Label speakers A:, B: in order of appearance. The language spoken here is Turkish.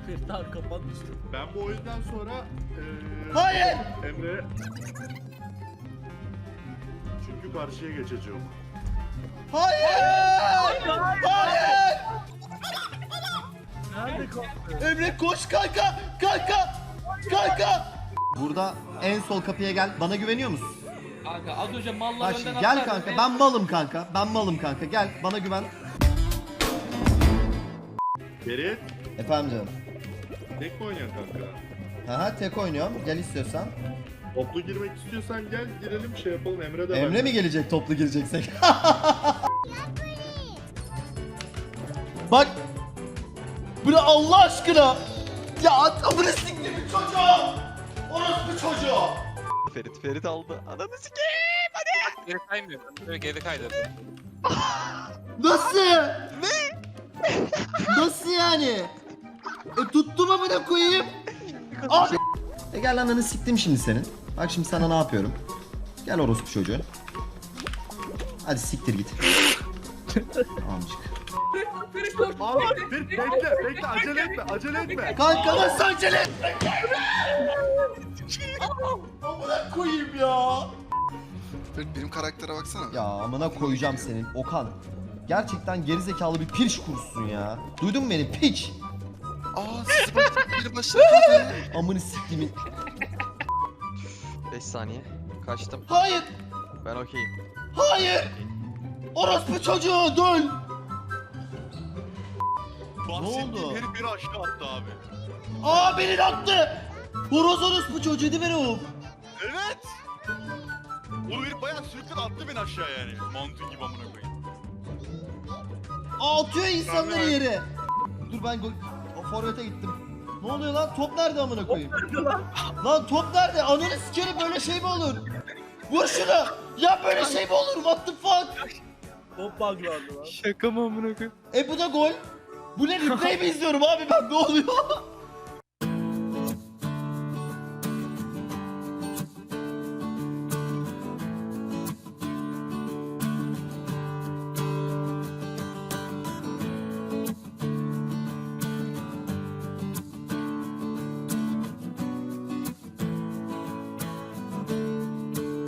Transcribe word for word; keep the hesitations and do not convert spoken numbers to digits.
A: Ferit abi kapanmıştı.
B: Ben bu oyundan sonra eee
C: Hayır!
B: Emre çünkü karşıya geçeceğim.
C: Hayır! Hayır!
A: Nerede kaldı?
C: Emre koş kanka! Kanka! Kanka! Burada en sol kapıya gel. Bana güveniyor musun?
D: Kanka az önce mallar
C: Bak
D: önden
C: şimdi gel
D: atlar.
C: kanka. Ben malım kanka. Ben malım kanka. Gel bana güven.
B: Ferit,
C: Efendim canım.
B: tek mi oynayan kanka?
C: Haha tek oynuyorum. Gel istiyorsan.
B: Toplu girmek istiyorsan gel girelim şey yapalım Emre de
C: Emre
B: ben.
C: mi gelecek toplu gireceksek? Bak. Bu ne Allah aşkına? Ya amına siktir bir çocuğu. Orospu çocuğu.
E: Ferit Ferit aldı. Ananı sikeyim hadi.
F: Geri kaymıyor. Böyle geri kaydırdı.
C: Nasıl? Ne? Nasıl yani? E tuttum amına koyayım. Abi. E gel ananı siktim şimdi senin. Bak şimdi sana ne yapıyorum. Gel orospu çocuğu. Hadi siktir git. Amcık.
B: Al, Ferit bekle bekle acele etme acele etme.
C: Kanka nasıl acele etme? Amına koyayım ya.
G: Benim karaktere baksana.
C: Ya amına koyacağım senin Okan. Gerçekten gerizekalı bir piç kursun ya. Duydun mu beni piç?
G: Aa sizi başladı biri başladı.
C: Amını siktimin.
E: beş saniye. Kaçtım.
C: Hayır.
E: Ben okeyim.
C: Hayır. Orospu çocuğu dön. Ne oldu?
B: Herif biri aşağı attı abi.
C: Aa beni attı. Horoz orospu çocuğu değil mi o?
B: Evet. O herif bayağı sürükledi attı beni aşağı yani. Mantı gibi amına koyayım.
C: Aa, atıyor insanları yere. Dur ben gol... O forvete gittim. Ne oluyor lan? Top nerede amına koyayım? Lan top nerede? Ananı sikerim böyle şey mi olur? Vur şunu. Ya böyle şey mi olur? What the fuck?
A: Top buglandı lan.
E: Şaka mı amına koyayım?
C: E bu da gol. Bu ne replay mi izliyorum abi ben? Ne oluyor?